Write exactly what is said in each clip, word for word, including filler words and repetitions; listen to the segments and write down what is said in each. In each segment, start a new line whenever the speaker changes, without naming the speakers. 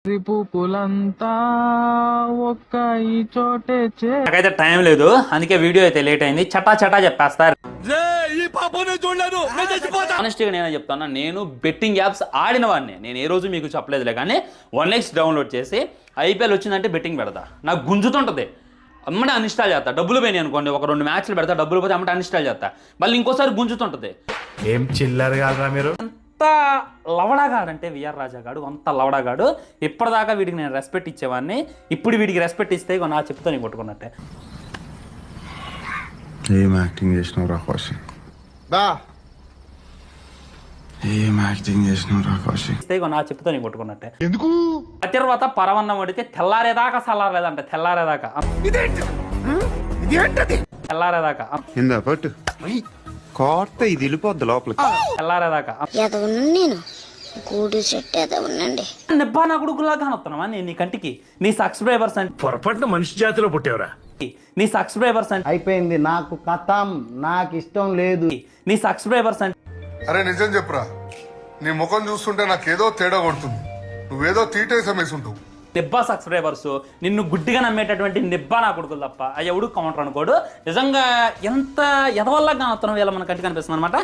రిపులంతా ఒక్క ఈ చోటే చే
నాకైతే టైం లేదు, అందుకే వీడియో అయితే లేట్ అయింది. చటా చటా చెప్పేస్తారు. ఆనెస్ట్గా నేనే చెప్తాను, నేను బెట్టింగ్ యాప్స్ ఆడిన వాడిని. నేను ఏ రోజు మీకు చెప్పలేదులే, కానీ వన్ ఎక్స్ డౌన్లోడ్ చేసి ఐపీఎల్ వచ్చిందంటే బెట్టింగ్ పెడతా. నాకు గుంజుతుంటది, అమ్మటే అన్ఇన్స్టాల్ చేస్తా. డబ్బులు పోయినాయి అనుకోండి, ఒక రెండు మ్యాచ్లు పెడతా, డబ్బులు పోతే అమ్మటే అన్ఇన్స్టాల్ చేస్తా. మళ్ళీ ఇంకోసారి గుంజుతుంటది.
ఏం చిల్లర్ కాదురా మీరు.
అంత లవడాగాడు అంటే విఆర్ రాజాగాడు, అంత లవడాగాడు. ఇప్పటిదాకా వీడికి నేను రెస్పెక్ట్ ఇచ్చేవాడిని, ఇప్పుడు వీడికి రెస్పెక్ట్ ఇస్తే నా చెప్తా నీకు కొట్టుకున్నట్టే.
ఏం యాక్టింగ్ చేసినావు రా కౌశిక్, ఏం యాక్టింగ్ చేసినావు రా కౌశిక్.
ఇస్తే నా చెప్తా నీకు కొట్టుకున్నట్టే. ఎందుకు ఆ తర్వాత పరవన్నం పడితే తెల్లారేదాకా సల్లారేదంట, తెల్లారేదాకా తెల్లారేదాకా
ఇందా పట్టు కోర్త ఇది వెళ్ళిపోద్ది లోపలికి.
తెల్లారేదాకా
నేను గూడు చెట్టు ఏదో ఉండండి.
నిబ్బా నా కొడుకులా కానొస్తున్నావా నేను నీ కంటికి? నీ సబ్స్క్రైబర్స్ అంటే
పొరపాటున మనిషి జాతిలో పుట్టేవరా.
నీ సబ్స్క్రైబర్స్ అంటే
అయిపోయింది, నాకు కథం, నాకు ఇష్టం లేదు.
నీ సబ్స్క్రైబర్స్ అంటే
అరే నిజం చెప్పురా, నీ ముఖం చూస్తుంటే నాకేదో తేడా కొడుతుంది. నువ్వేదో తీటేసం వేసుంటావు.
నిబ్బా సబ్స్క్రైబర్స్ నిన్ను గుడ్డిగా నమ్మేటటువంటి నిబ్బా నా కొడుకులు తప్ప అది ఎవడు కౌంటర్ అనుకోడు. నిజంగా ఎంత ఎదవల్లా కానొస్తున్నావు ఇలా మన కంటికి కనిపిస్తుంది అనమాట.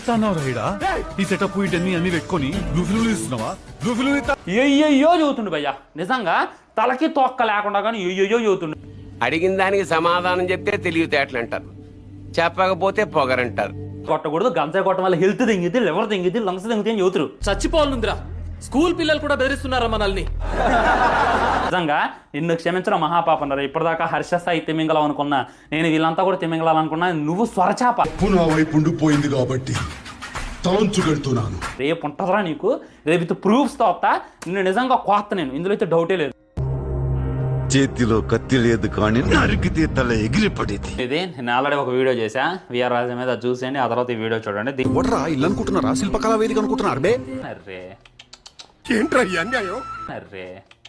అయ్యో చదువుతుండు భయ్యా, నిజంగా తలకి తొక్క లేకుండా కానీ అయ్యో చదువుతుండు.
అడిగిన దానికి సమాధానం చెప్తే తెలివితేటలు అంటారు, చెప్పకపోతే పొగరంటారు.
కొట్టకూడదు, గంజాయి కొట్టడం వల్ల హెల్త్ తెంగిద్ది, లివర్ తెంగిద్ది, లంగ్స్ తెంగితే అని చదువుతారు.
చచ్చిపోవాలందిరా, స్కూల్ పిల్లలు కూడా బెదిరిస్తున్నారా మనల్ని.
నిజంగా నిన్ను క్షమించడం మహాపాపన్నారు. ఇప్పటిదాకా హర్ష సాయి తిమింగలం అనుకున్నా, నేను వీళ్ళంతా కూడా తిమింగలాలనుకున్నా, నువ్వు స్వరచాప.
నా వైపు ఉండిపోయింది కాబట్టి తలంచుకెళ్తున్నాను.
రేపు ఉంటుందిరా నీకు, రేపు ప్రూఫ్స్ తో వస్తా. నిన్ను నిజంగా కోస్తా నేను, ఇందులో అయితే డౌటే లేదు.
చేతిలో కత్తి లేదు కానీ నరికితే తల ఎగిరిపడేది.
ఇది నేను ఆల్రెడీ ఒక వీడియో చేశా విఆర్ రాజా మీద, చూసేయండి. ఆ తర్వాత ఈ వీడియో చూడండి.
ఇల్లు అనుకుంటున్నారా, శిల్పకళా వేదిక అనుకుంటున్నారు బే.
అర్రే
ఏంట్రా ఈ అన్యాయం.
అర్రే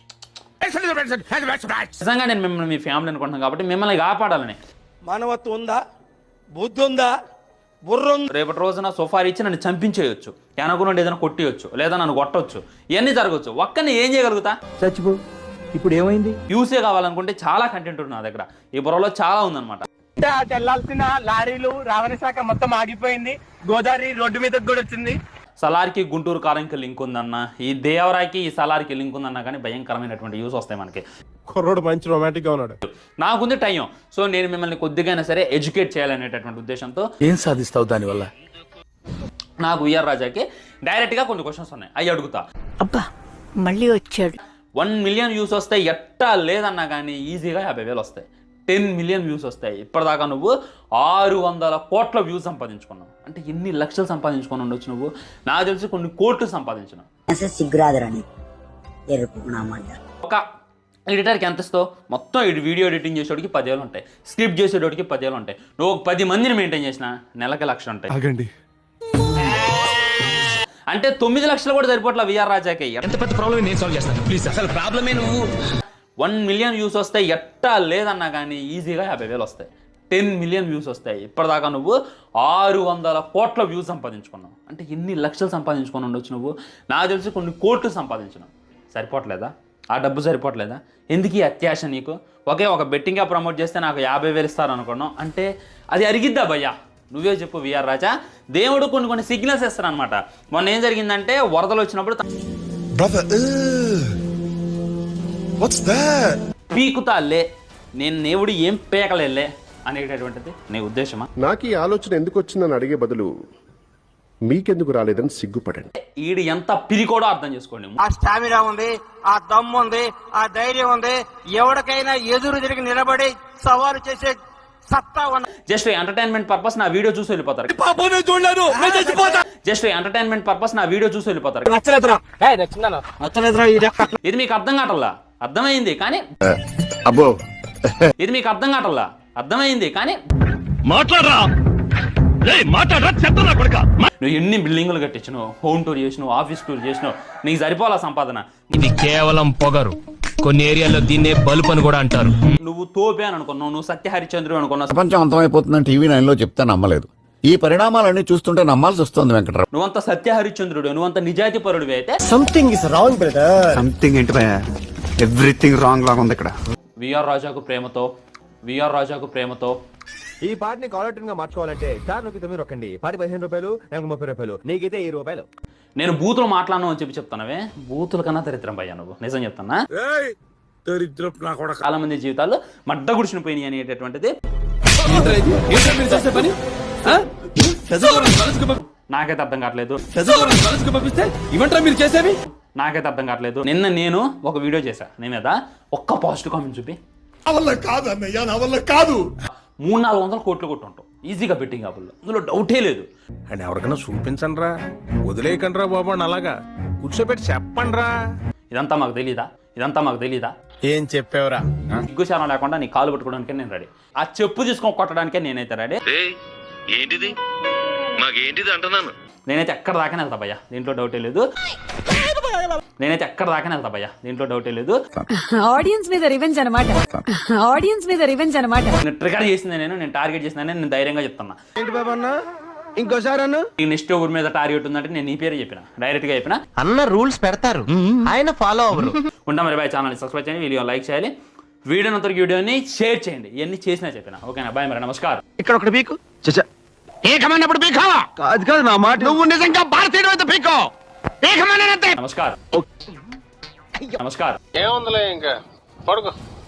నిజంగా నేను మిమ్మల్ని మీ ఫ్యామిలీ అనుకుంటున్నాను కాబట్టి మిమ్మల్ని కాపాడాలని.
మానవత్వం ఉందా, బుద్ధి ఉందా, బుర్ర ఉందా?
రేపటి రోజున సోఫా ఇచ్చి నన్ను చంపించేయచ్చు, వెనకుండా ఏదైనా కొట్టియచ్చు, లేదా నన్ను కొట్టవచ్చు, ఇవన్నీ జరగచ్చు. ఒక్కని ఏం చేయగలుగుతా?
చచ్చిపో. ఇప్పుడు ఏమైంది?
యూసే కావాలనుకుంటే చాలా కంటెంట్ ఉంది నా దగ్గర, ఈ బుర్రలో చాలా ఉందన్నమాట.
వెళ్లాల్సిన లారీలు రవాణా శాఖ మొత్తం ఆగిపోయింది, గోదావరి రోడ్డు మీదకి కూడా వచ్చింది.
సలార్కి గుంటూరు కారంకి లింక్ ఉందన్న, ఈ దేవరాకి ఈ సలార్కి లింక్ ఉందన్న, కానీ భయంకరమైనటువంటి యూస్ వస్తాయి మనకి.
కుర్రోడు మంచి రొమాంటిక్ గా ఉన్నాడు.
నాకుంది టైం, సో నేను మిమ్మల్ని కొద్దిగా సరే ఎడ్యుకేట్ చేయాలనేటటువంటి ఉద్దేశంతో.
ఏం సాధిస్తావు దానివల్ల?
నాకు విఆర్ రాజాకి డైరెక్ట్ గా కొన్ని క్వశ్చన్స్ ఉన్నాయి, అవి అడుగుతా.
అబ్బా మళ్ళీ వచ్చాడు.
వన్ మిలియన్ వ్యూస్ వస్తాయి, ఎట్టా లేదన్నా కానీ ఈజీగా యాభై వేలు వస్తాయి. టెన్ మిలియన్ వ్యూస్ వస్తాయి. ఇప్పటిదాకా నువ్వు ఆరు వందల కోట్ల వ్యూస్ సంపాదించుకున్నావు అంటే ఎన్ని లక్షలు సంపాదించుకొని ఉండొచ్చు నువ్వు? నాకు తెలిసి కొన్ని కోట్లు సంపాదించినావు. ఒక ఎడిటర్కి ఎంత ఇస్తావు? మొత్తం వీడియో ఎడిటింగ్ చేసేవాడికి పదివేలు ఉంటాయి, స్క్రిప్ట్ చేసేటోడికి పదివేలు ఉంటాయి. నువ్వు ఒక పది మందిని మెయింటైన్ చేసినా నెలకి లక్ష ఉంటాయి. అంటే తొమ్మిది లక్షలు కూడా సరిపోట్ల విఆర్ రాజాకి. వన్ మిలియన్ వ్యూస్ వస్తాయి, ఎట్టా లేదన్నా కానీ ఈజీగా యాభై వేలు వస్తాయి. టెన్ మిలియన్ వ్యూస్ వస్తాయి. ఇప్పటిదాకా నువ్వు ఆరు వందల కోట్ల వ్యూస్ సంపాదించుకున్నావు అంటే ఎన్ని లక్షలు సంపాదించుకొని ఉండొచ్చు నువ్వు? నాకు తెలిసి కొన్ని కోట్లు సంపాదించినావు. సరిపోవట్లేదా? ఆ డబ్బు సరిపోవట్లేదా? ఎందుకు ఈ అత్యాశ నీకు? ఒకే ఒక బెట్టింగ్గా ప్రమోట్ చేస్తే నాకు యాభై వేలు ఇస్తారు అనుకున్నావు అంటే అది అరిగిద్దా భయ్యా? నువ్వే చెప్పు విఆర్ రాజా. దేవుడు కొన్ని కొన్ని సిగ్నల్స్ ఇస్తాడు అనమాట. మొన్న ఏం జరిగిందంటే వరదలు వచ్చినప్పుడు పీకుతా లే, నేను దేవుడు ఏం పేకలేలే అనేటటువంటిది నీ ఉద్దేశమా?
నాకు ఈ ఆలోచన ఎందుకు వచ్చిందని అడిగే బదులు మీకెందుకు రాలేదని సిగ్గుపడండి.
ఈడు ఎంత పిరికోడో అర్థం చేసుకోండి.
ఆ స్టామినా ఉంది, ఆ దమ్ము ఉంది, ఆ ధైర్యం ఉంది, ఎవరికైనా ఎదురు తిరిగి నిలబడి సవాలు చేసే సత్తా ఉన్న. జస్ట్ ఎంటర్టైన్మెంట్ పర్పస్ నా వీడియో చూసి వెళ్ళిపోతారు. జస్ట్ ఎంటర్టైన్మెంట్ పర్పస్ నా వీడియో చూసి వెళ్ళిపోతారు. ఇది మీకు అర్థం కావట్లా? అర్థమైంది కానీ
అబ్బో
ఇది మీకు అర్థం కావట్లా? అర్థమైంది కానీ
మాట్లాడరా మాట్లాడరా చెప్తా కొడుక.
నువ్వు ఎన్ని బిల్డింగులు కట్టించినావు, హోమ్ టూర్ చేసినావు, ఆఫీస్ టూర్ చేసినావు, నీకు సరిపోవాలా సంపాదన?
ఇది కేవలం పొగరు, కొన్ని ఏరియాలో దీన్నే బల్బ్ అని కూడా అంటారు.
నువ్వు తోపే అని అనుకున్నావు, నువ్వు సత్య హరిచంద్రుడు అనుకున్నావు.
ప్రపంచం అంతమైపోతుందని టీవీ నైన్ లో చెప్తే నమ్మలేదు. ఈ పరిణామాలన్నీ చూస్తుంటే నమ్మాల్సి వస్తుంది వెంకట్రావు.
నువ్వంత సత్యహరిశ్చంద్రుడు, నువ్వంత నిజాయితీ పరుడివి అయితే
something is wrong brother.
Something ఏంటి భయ, ఎవ్రీథింగ్ రాంగ్ లాగా ఉంది ఇక్కడ.
విఆర్ రాజాకు ప్రేమతో విఆర్ రాజాకు ప్రేమతో
ఈ పాటని కాలర్ ట్యూన్ గా మార్చుకోవాలంటే స్టార్ నొక్కి తొమ్మిది రొక్కండి. పాటి పదిహేను రూపాయలు, నాకు ముప్పై రూపాయలు, నీకైతే ఈ రూపాయలు.
నేను బూతులు మాట్లాడను అని చెప్పి చెప్తానవే, బూతుల కన్నా దరిద్రం భయ్యా నువ్వు. నిజం చెప్తానా, చాలా మంది జీవితాలు మడ్డ గుడిచిన పోయినాయి అనేటటువంటిది నాకైతే అర్థం కావట్లేదు. నాకైతే అర్థం కావట్లేదు. నిన్న నేను ఒక వీడియో చేశా, నీ మీద ఒక్క పాజిటివ్ కామెంట్ చూపి మూడు నాలుగు వందల కోట్లు కొట్టుంటాం ఈజీగా బెట్టింగ్ యాప్లో, అందులో డౌటే లేదు.
అండ్ ఎవరికైనా చూపించండి రా, వదిలేయకండి రా బాబు అని అలాగా కూర్చోబెట్టి చెప్పండి రా.
ఇదంతా మాకు తెలీదా ఇదంతా మాకు తెలీదా
ఏం చెప్పావురా?
సిగ్గుశానం లేకుండా నీ కాలు పట్టుకోవడానికే నేను రెడీ, ఆ చెప్పు తీసుకొని కొట్టడానికే నేనైతే రెడీ.
ఏంటిది మాకేంటిది అంటున్నాను.
నేనైతే ఎక్కడ దాకానే వెళ్తా భయ్యా, దీంట్లో డౌటే లేదు. నేనైతే ఎక్కడ దాకానే వెళ్తా భయ్యా, దీంట్లో డౌటే లేదు.
ఆడియన్స్ మీద రివెంజ్ అన్నమాట. ఆడియన్స్ మీద రివెంజ్ అన్నమాట.
నేను ట్రిగర్ చేసింది నేను నేను టార్గెట్ చేసిన నేను ధైర్యంగా చెప్తున్నా.
ఏంటి బాబు అన్న, ఇంకోసారి అన్న.
ఈ నెక్స్ట్ ఊరి మీద టార్గెట్ ఉందంటే నేను నీ పేరే చెప్పిన, డైరెక్ట్ గా చెప్పిన.
అన్న రూల్స్ పెడతారు, ఆయన ఫాలో అవ్వరు.
ఉంటా మరి బాయ్. ఛానల్ సబ్స్క్రైబ్ చేయండి, వీడియో లైక్ చేయాలి, వీడియో అంతరికి వీడియోని షేర్ చేయండి. ఇవన్నీ చేసినా చెప్పిన. ఓకేనా, బాయ్ మరి, నమస్కారం.
ఇక్కడ ఒకటి పీకు ఏకమన్నప్పుడు పీకో కాదు కాదు నా మాట. నువ్వు నిజంగా భారతీయుడు అయితే పీకో.
నమస్కారం నమస్కారం.
ఏముందిలే ఇంకా పడుకో.